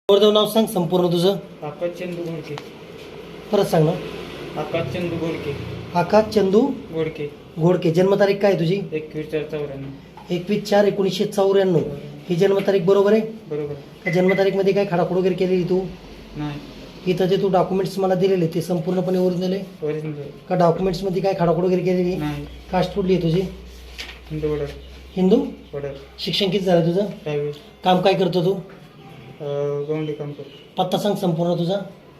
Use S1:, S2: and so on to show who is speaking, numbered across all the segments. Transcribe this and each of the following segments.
S1: वर्धव नाव सांग संपूर्ण तुझं.
S2: आकाश चंदू गोडके.
S1: परत सांग ना.
S2: आकाश चंदू गोडके.
S1: आकाश चंदू
S2: गोडके.
S1: घोडके. जन्मतारीख काय तुझी?
S2: 21/4/94.
S1: 21/4/1994. ही जन्मतारीख बरोबर आहे?
S2: बरोबर.
S1: त्या जन्मतारीखमध्ये काय खाडाखोड वगैरे केलेली तू?
S2: नाही.
S1: इथं जे तू डॉक्युमेंट्स मला दिलेले ते संपूर्णपणे ओरिजिनल आहे
S2: ओरिजिनल.
S1: का? डॉक्युमेंट्समध्ये काय खाडाखोड वगैरे केलेली?
S2: नाही.
S1: कास्ट कुठली आहे तुझी?
S2: हिंदू वडर.
S1: हिंदू.
S2: वडर.
S1: शिक्षण किती झालं तुझं?
S2: 10वी.
S1: काम काय करतो तू?
S2: गवंडी काम करतो.
S1: पत्ता सांग संपूर्ण तुझा.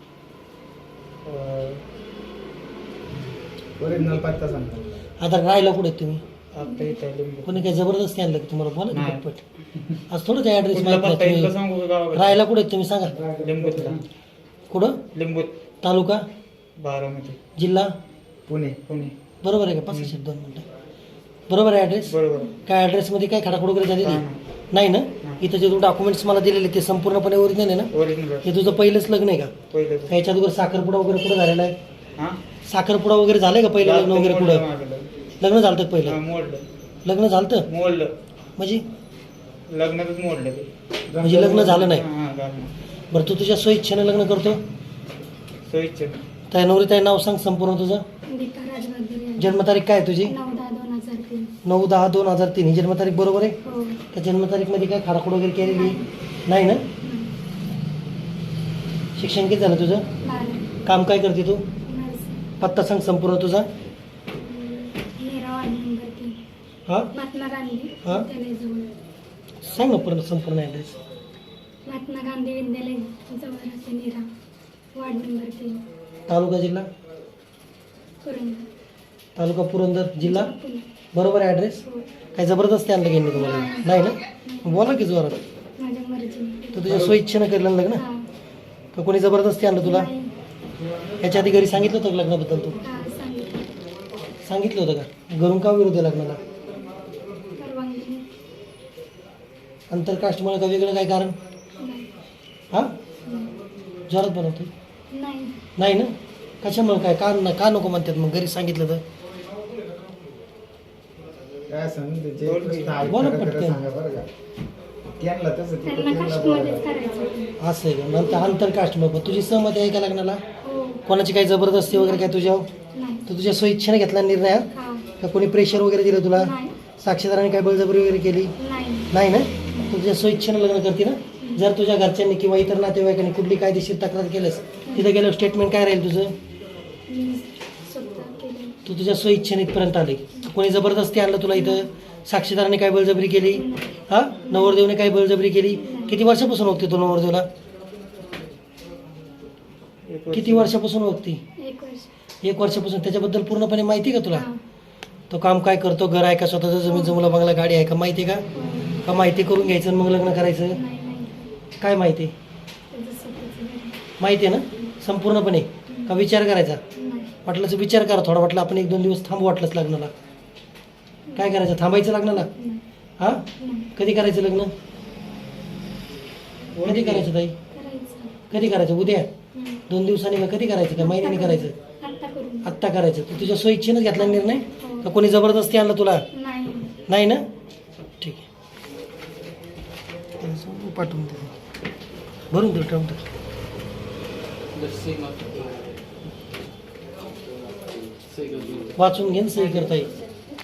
S2: ओरिजिनल पत्ता सांगतो.
S1: आता राहायला कुठे आहेत तुम्ही?
S2: आता इथे लिंबू.
S1: कोणी काय जबरदस्ती आणलं की तुम्हाला? बोला की
S2: नाही.
S1: पटपट. आज थोडं त्या ॲड्रेस
S2: कुठला
S1: माहिती
S2: पत्ता
S1: नाही
S2: इथला
S1: तुम्ही.
S2: सांगू का गावाकडे?
S1: राहायला कुठे आहेत तुम्ही सांगा.
S2: लिंबूतला.
S1: कुठं?
S2: लिंबूत.
S1: तालुका?
S2: बारामती.
S1: जिल्हा?
S2: पुणे. पुणे.
S1: बरोबर आहे का? 5 शब्द 2 मिनटं. बरोबर आहे ॲड्रेस?
S2: बरोबर.
S1: काय ॲड्रेसमध्ये काय खडाखोड वगैरे झालेली?
S2: नाही.
S1: नाही ना? इथं जे तू डॉक्युमेंट्स मला दिलेले ते संपूर्णपणे ओरिजिनल आहे ना?
S2: ओरिजिनल.
S1: हे तुझं पहिलंच लग्न आहे का?
S2: पहिलं.
S1: ह्याच्या अगोदर साखरपुडा वगैरे कुठं झालेला आहे?
S2: हां.
S1: साखरपुडा वगैरे झालंय का? पहिलं लग्न वगैरे कुठं? लग्न झालं का पहिलं?
S2: मोडलं.
S1: लग्न झालं
S2: मोडलं.
S1: म्हणजे?
S2: लग्नातच मोडलं ते.
S1: म्हणजे लग्न झालं नाही?
S2: हां झालं.
S1: बरं, तू तुझ्या स्वइच्छेनं लग्न करतो?
S2: सोयीचं.
S1: त्या नवरी ताई नाव सांग संपूर्ण तुझं. जन्मतारीख काय आहे तुझी? 9/10/2003. ही जन्मतारीख बरोबर आहे? त्या जन्मतारीखमध्ये काय खाडाखोड वगैरे केलेली नाही ना? शिक्षण किती झालं तुझं? काम काय करते तू? पत्ता सांग संपूर्ण तुझा. हां
S3: महात्मा गांधी
S1: हां सांग ना पूर्ण संपूर्ण ॲड्रेस.
S3: महात्मा गांधी विद्यालय जवळ राहते नीरा, वार्ड नंबर 3,
S1: तालुका जिल्हा?
S3: पुरंदर.
S1: तालुका पुरंदर, जिल्हा?
S3: पुणे.
S1: बरोबर आहे ॲड्रेस?
S3: हो.
S1: काही जबरदस्ती आणलं घेणे तुम्हाला? नाही ना? बोला की जोरात.
S3: माझ्या मर्जीने.
S1: तर तुझ्या स्वइच्छेनं केलं लग्न
S3: हां.
S1: का कोणी जबरदस्ती आणलं तुला?
S3: नाही.
S1: याच्या आधी घरी सांगितलं होतं का लग्नाबद्दल तू?
S3: हां, सांगितलं.
S1: सांगितलं होतं का? घरून का विरोध आहे लग्नाला?
S3: परवानगी
S1: आंतरकास्टमुळे का वेगळं काय कारण?
S3: नाही.
S1: हां जोरात बनवतो.
S3: नाही.
S1: नाही ना? कशामुळे काय? का नको म्हणतात मग घरी सांगितलं तर?
S4: काय सांगितलं
S1: बोला पटकन.
S3: त्यांना कास्टमध्येच करायचं.
S1: असं आहे का? नंतर आंतरकास्टमुळे. पण तुझी सहमती आहे का लग्नाला?
S3: हो.
S1: कोणाची काही जबरदस्ती वगैरे काय तुझ्यावर?
S3: नाही.
S1: तर तुझ्या स्वइच्छेने घेतला निर्णय हा?
S3: हां.
S1: का कोणी प्रेशर वगैरे दिलं तुला?
S3: नाही.
S1: साक्षीदाराने काय बळजबरी वगैरे केली?
S3: नाही.
S1: नाही ना? तुझ्या स्वइच्छेनं लग्न करते ना? जर तुझ्या घरच्यांनी किंवा इतर नातेवाईकांनी कुठली कायदेशीर तक्रार केलंस तिथं गेलं स्टेटमेंट काय राहील तुझं?
S3: मी स्वतः केलं.
S1: तू तुझ्या स्वइच्छेने इथपर्यंत आले. कोणी जबरदस्ती आणलं तुला इथं? साक्षीदाराने काय बळजबरी केली? हा? नवरदेवने काय बळजबरी केली? किती वर्षापासून बघते तू नवरदेवला? किती वर्षापासून बघते?
S3: 1 वर्ष.
S1: 1 वर्षापासून. त्याच्याबद्दल पूर्णपणे माहिती आहे का तुला?
S3: हां.
S1: तो काम काय करतो? घर आहे का? स्वतःचं जमीन जमुला बंगला गाडी आहे का? माहिती आहे का?
S3: हो.
S1: का माहिती करून घ्यायचं आणि मग लग्न करायचं?
S3: नाही. नाही.
S1: काय माहिती आहे?
S3: त्याचं स्वतःचं घर आहे.
S1: माहिती आहे ना संपूर्णपणे? का विचार करायचा?
S3: नाही.
S1: वाटलंच विचार करा थोडा. वाटलं आपण 1-2 दिवस थांबू वाटलंच लग्नाला. काय करायचं? थांबायचं लग्नाला?
S3: नाही.
S1: हां
S3: नाही.
S1: कधी करायचं लग्न? कधी करायचं ताई?
S3: करायचं.
S1: कधी करायचं? उद्या?
S3: हं.
S1: 2 दिवसांनी का? कधी करायचं? का महिन्याने करायचं?
S3: आत्ता करून.
S1: आत्ता करायचं. तू तुझ्या स्वइच्छेनंच घेतला निर्णय
S3: हो.
S1: का कोणी जबरदस्ती आणलं तुला?
S3: नाही.
S1: नाही ना? ठीक आहे. पाठवून दे. भरून दे ठेवून टाक. वाचून घेऊन सही करता येईल.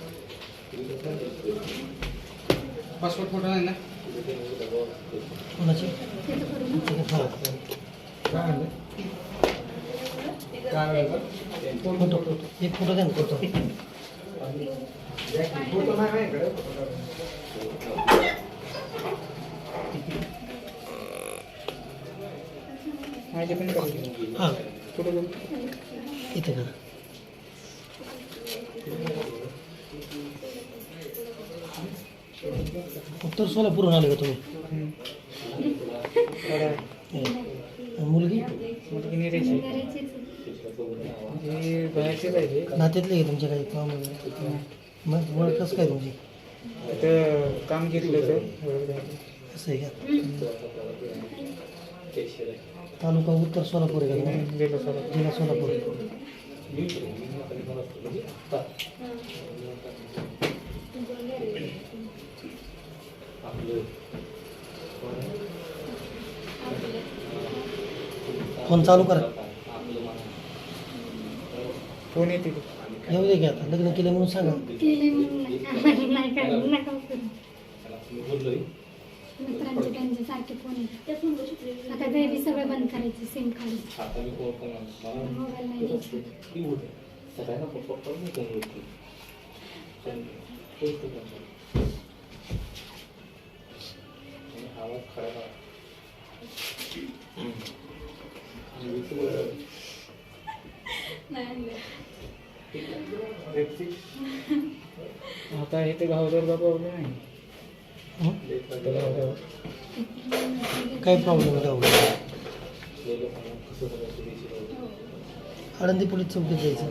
S2: पासपोर्ट फोटो आहे ना?
S1: कोणाची?
S3: त्याचं करून.
S1: हां फोटो एक फोटो द्या ना फोटो.
S2: माझे पण करायचे.
S1: हां
S2: कुठं जाऊ?
S1: इथे करा. उत्तर सोलापूरहून आले का तुम्ही? मुलगी?
S2: मुलगी निरायची.
S3: करायचीच.
S2: हे बाहेरचेच आहे ते.
S1: नात्यातले आहे तुमच्या काही काम वगैरे? मग ओळख कसं काय तुमची?
S2: तिथं काम घेतलं होतं.
S1: असं आहे का? तालुका उत्तर सोलापूर आहे का?
S2: गेलो सर.
S1: जिल्हा सोलापूर.
S3: आपलं
S1: फोन चालू करा.
S2: फोन येते ते.
S1: येऊ दे की आता लग्न केलं म्हणून सांगा.
S3: केले म्हणून नाही. आम्हाला नाही करायचं, नका करू. मित्रांचे त्यांचे सारखे फोन येतात. आता ते बी सगळं बंद करायचे सिम काढून. मोबाईल नाही द्यायचा.
S2: आता हे ते गावदर प्रॉब्लेम आहे.
S1: हं?
S2: ते गावदर.
S1: काय प्रॉब्लेम आहे गावाला? आळंदी पोलीस चौकीत जायचं.